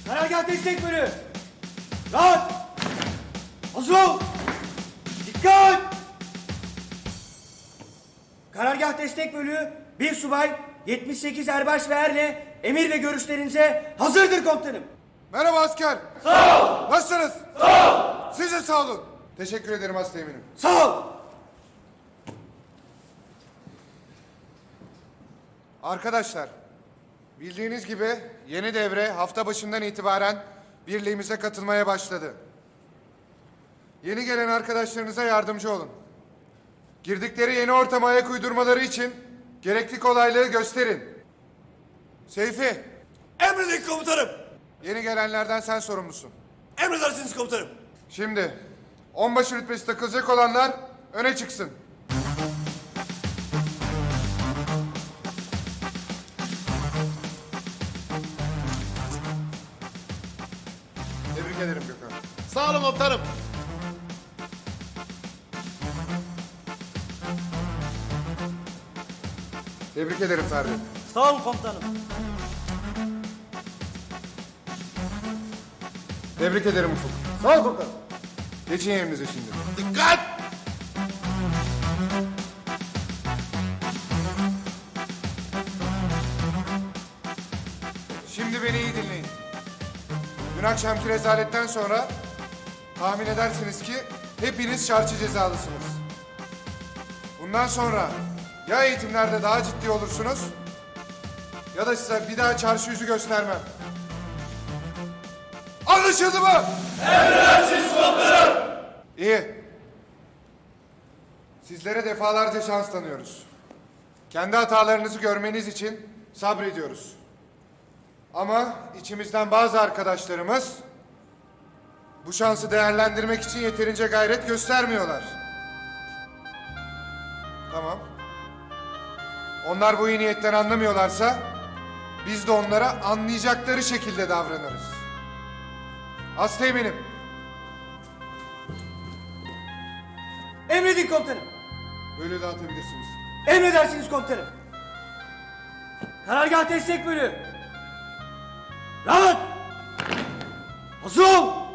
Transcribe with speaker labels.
Speaker 1: Karargah destek bölüğü. Rahat. Hazır ol. Dikkat. Karargah destek bölüğü 1 subay 78 erbaş ve erle emir ve görüşlerinize hazırdır komutanım.
Speaker 2: Merhaba asker.
Speaker 1: Sağ ol.
Speaker 2: Nasılsınız?
Speaker 1: Sağ ol.
Speaker 2: Siz de sağ olun. Teşekkür ederim hastayeminim.
Speaker 1: Sağ ol.
Speaker 2: Arkadaşlar, bildiğiniz gibi yeni devre hafta başından itibaren birliğimize katılmaya başladı. Yeni gelen arkadaşlarınıza yardımcı olun. Girdikleri yeni ortama ayak uydurmaları için gerekli kolaylığı gösterin. Seyfi,
Speaker 3: Emredin komutanım.
Speaker 2: yeni gelenlerden sen sorumlusun.
Speaker 3: Emredersiniz komutanım.
Speaker 2: Şimdi onbaşı rütbesi takılacak olanlar öne çıksın. Tebrik ederim Gökhan.
Speaker 3: Sağ olun komutanım.
Speaker 2: Tebrik ederim Ferdi.
Speaker 1: Sağ olun komutanım.
Speaker 2: Tebrik ederim Ufuk.
Speaker 1: Sağ ol komutanım.
Speaker 2: Geçin yerinize şimdi.
Speaker 3: Dikkat!
Speaker 2: Şimdi beni iyi dinleyin. Dün akşamki rezaletten sonra tahmin edersiniz ki hepiniz çarşı cezalısınız. Bundan sonra ya eğitimlerde daha ciddi olursunuz ya da size bir daha çarşı yüzü göstermem. Anlaşıldı mı?
Speaker 3: Emredersiniz komutanım.
Speaker 2: İyi. Sizlere defalarca şans tanıyoruz. Kendi hatalarınızı görmeniz için sabrediyoruz. Ama içimizden bazı arkadaşlarımız bu şansı değerlendirmek için yeterince gayret göstermiyorlar. Tamam. Onlar bu iyi niyetten anlamıyorlarsa biz de onlara anlayacakları şekilde davranırız. Hastayım.
Speaker 1: Emredin komutanım.
Speaker 2: Böyle dağıtabilirsiniz.
Speaker 1: Emredersiniz komutanım. Karargah destek bölüğü. Rahat. Hazır ol.